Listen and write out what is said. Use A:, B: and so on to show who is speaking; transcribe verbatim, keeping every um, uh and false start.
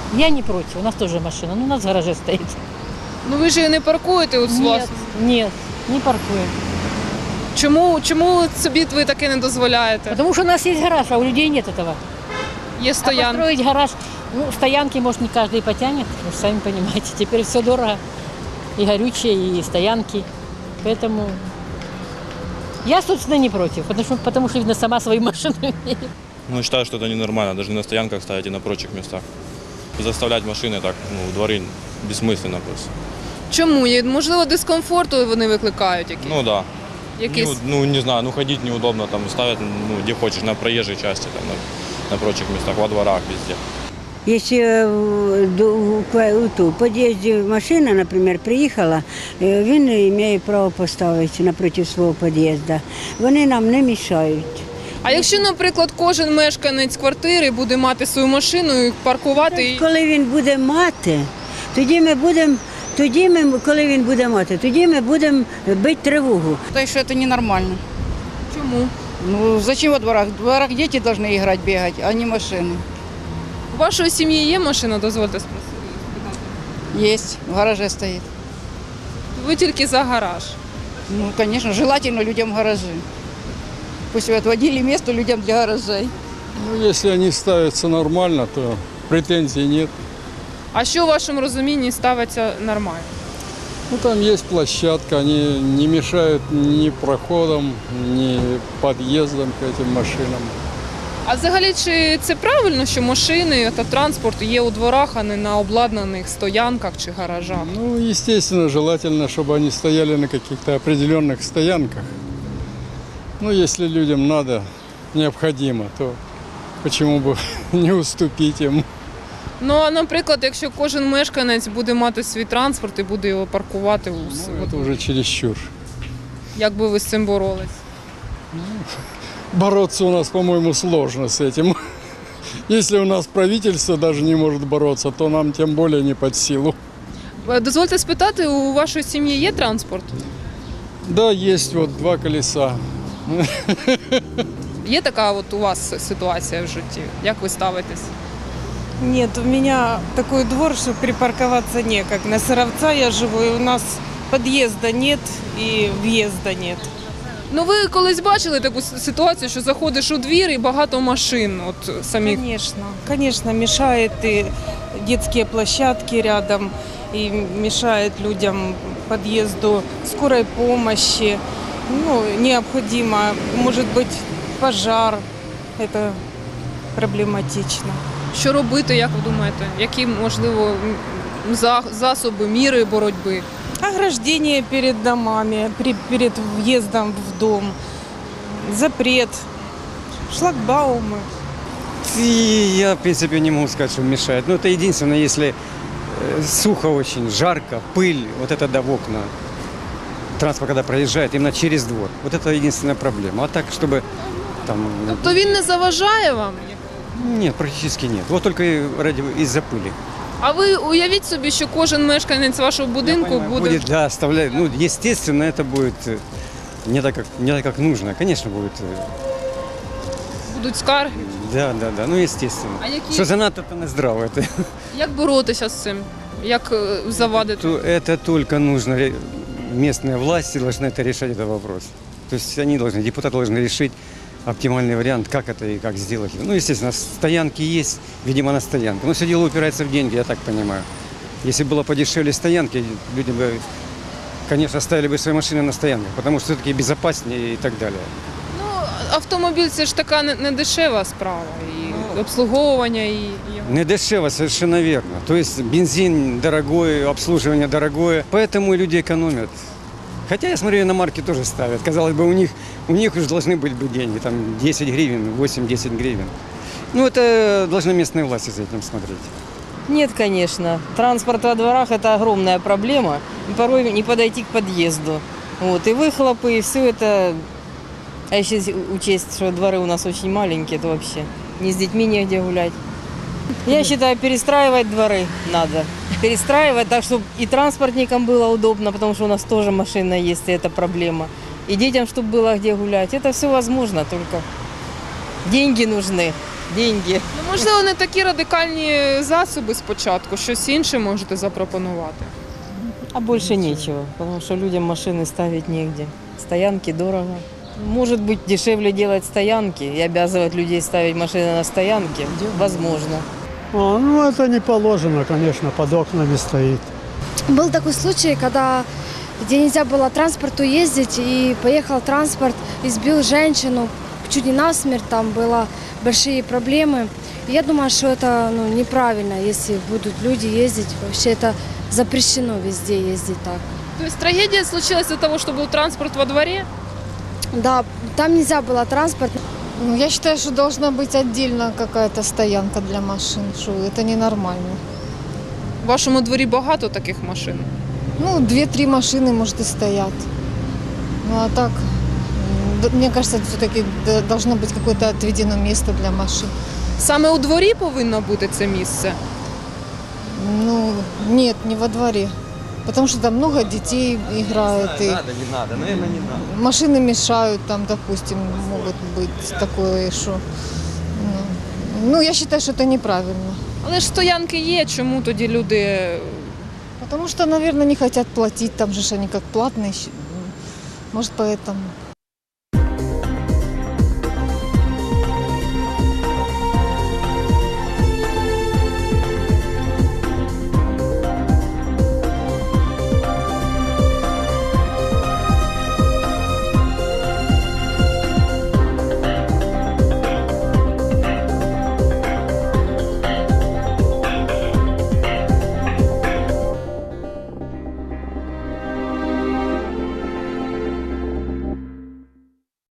A: Я не против, у нас тоже машина, но у нас в гараже стоит.
B: Ну ви ж її не паркуєте у вас?
A: Нет, нет, не паркуем.
B: Чому, чому собі ви таке не дозволяєте?
A: Потому что у нас есть гараж, а у людей нет этого.
B: Є
A: А
B: стоянки.
A: построить гараж, ну, стоянки, может, не каждый потянет, вы же сами понимаете. Теперь все дорого, и горючее, и стоянки. Поэтому я, собственно, не против, потому что, потому что видно, сама свои машины умею.
C: Ну, считаю, что это ненормально, даже не на стоянках ставить и на прочих местах. Заставлять машины так, ну, в дворы бессмысленно просто.
B: Чому? Є, можливо, дискомфорту вони викликають якісь?
C: Ну да.
B: Якісь?
C: Ну, ну, не знаю, ну ходить неудобно, там ставят, ну, где хочешь, на проезжей части, там, на, на прочих местах, во дворах, везде.
D: Если в подъезде машина, например, приїхала, він має право поставити напроти свого під'їзду. Вони нам не мішають.
B: А якщо, наприклад, кожен мешканець квартири буде мати свою машину і паркувати її?
D: Коли він буде мати, тоді ми будемо, тоді ми, коли він буде мати, тоді ми будемо бити тривогу.
E: Считаю, что это ненормально.
B: Чому?
E: Ну, зачем во дворах? В дворах дети должны играть, бегать, а не машины.
B: У вашої сім'ї є машина, дозвольте спросити?
E: Есть, в гараже стоит.
B: Ви тільки за гараж.
E: Ну, конечно, желательно людям гаражи. Пусть отводили место людям для гаражей.
F: Ну, если они ставятся нормально, то претензий нет.
B: А що у вашому розумінні ставиться нормально?
F: Ну, там есть площадка, они не мешают ни проходам, ни подъездам к этим машинам.
B: А взагалі, чи це правильно, що машини та транспорт є у дворах, а не на обладнаних стоянках чи гаражах?
F: Ну, естественно, желательно, чтобы они стояли на каких-то определенных стоянках. Ну, если людям надо, необходимо, то почему бы не уступить им?
B: Ну, а, наприклад, якщо кожен мешканець буде мати свій транспорт і буде його паркувати, у с-
F: Ну, это уже чересчур.
B: як би ви з цим боролись?
F: Бороться у нас, по-моему, сложно с этим. Если у нас правительство даже не может бороться, то нам тем более не под силу.
B: Е, Дозвольте спитати, у вашої сім'ї є транспорт?
F: Да, есть вот два колеса.
B: Є така от у вас ситуація в житті? Як ви ставитесь?
G: Нет, у меня такой двор, что припарковаться некак. На Сыровца я живу, и у нас подъезда нет и въезда нет.
B: Ну ви колись бачили таку с- ситуацію, що заходиш у двір і багато машин от самих?
G: Конечно, конечно, мешает и детские площадки рядом, и мешает людям подъезду скорой помощи. Ну, необходимо, может быть, пожар, это проблематично.
B: Що робити, як ви думаєте? Які, можливо, м, за- засоби, міри боротьби?
G: Ограждение перед домами, при- перед въездом в дом, запрет, шлагбаумы.
H: И я, в принципе, не могу сказать, что мешает. Но это единственное, если э, сухо очень, жарко, пыль, вот это да в окна. Транспорт, когда проезжает, именно через двор. Вот это единственная проблема. А так, чтобы там...
B: Тобто він не заважає вам?
H: Нет, практически нет. Вот только и ради, из-за пыли.
B: А ви уявіть собі, що кожен мешканець вашого будинку
H: Я понимаю,
B: буде...
H: будет, да, оставляет. Ну, естественно, это будет э, не так, как, не так, как нужно. Конечно, будет. э,
B: будуть скарги.
H: Да, да, да. Ну, естественно.
B: А які...
H: Что занадто это не здраво. Это,
B: Як боротися з цим? Як е, завадити?
H: то, это только нужно. ре- Местные власти должны это решать, этот вопрос. То есть они должны, депутаты должны решить оптимальный вариант, как это и как сделать. Ну, естественно, стоянки есть, видимо, на стоянке. Но все дело упирается в деньги, я так понимаю. Если было подешевле стоянки, люди бы, конечно, ставили бы свои машины на стоянках, потому что все-таки безопаснее и так далее.
B: Ну, автомобіль це ж така не, не дешева справа. І обслуговування, і... і...
H: Не дешево, совершенно верно. То есть бензин дорогой, обслуживание дорогое, поэтому и люди экономят. Хотя я смотрю, иномарки тоже ставят. Казалось бы, у них, у них уже должны быть бы деньги, там десять гривен, восемь-десять гривен. Ну, это должны местные власти за этим смотреть.
I: Нет, конечно. Транспорт во дворах – это огромная проблема. И порой не подойти к подъезду. Вот. И выхлопы, и все это. А если учесть, что дворы у нас очень маленькие, то вообще ни с детьми негде гулять. Я считаю, перестраивать дворы надо. Перестраивать так, чтобы и транспортникам было удобно, потому что у нас тоже машина есть, и это проблема. И детям, чтобы было где гулять. Это все возможно, только деньги нужны. деньги.
B: Ну, можливо, не такі радикальні засоби спочатку, щось інше можете запропонувати.
I: А больше нечего, потому что людям машины ставить негде. Стоянки дорого. Может быть, дешевле делать стоянки и обязывать людей ставить машины на стоянке? Возможно.
J: А, ну, это не положено, конечно, под окнами стоит.
K: Был такой случай, когда где нельзя было транспорту ездить, и поехал транспорт, и сбил женщину, чуть не насмерть, там было большие проблемы. И я думаю, что это ну, неправильно, если будут люди ездить. Вообще это запрещено везде ездить так.
B: То есть трагедия случилась из-за того, что был транспорт во дворе?
K: Да, там нельзя было транспорт.
L: Ну, я считаю, что должна быть отдельно какая-то стоянка для машин, что это ненормально.
B: В вашому дворі багато таких машин?
L: Ну, две-три машины, может, и стоят. Ну, а так, м, мне кажется, все-таки должно быть какое-то отведено место для машин.
B: Саме у дворі повинно бути це місце?
L: Ну, нет, не во дворе. Потому что там много детей играет. И
H: Надо, не надо, наверное, не надо.
L: машины мешают, там, допустим, могут быть такое, что... Ну, ну, я считаю, что это неправильно.
B: Але ж стоянки є, чому тоді люди...
L: Потому что, наверное, не хотят платить, там же ж они как платные. щ- Может, поэтому.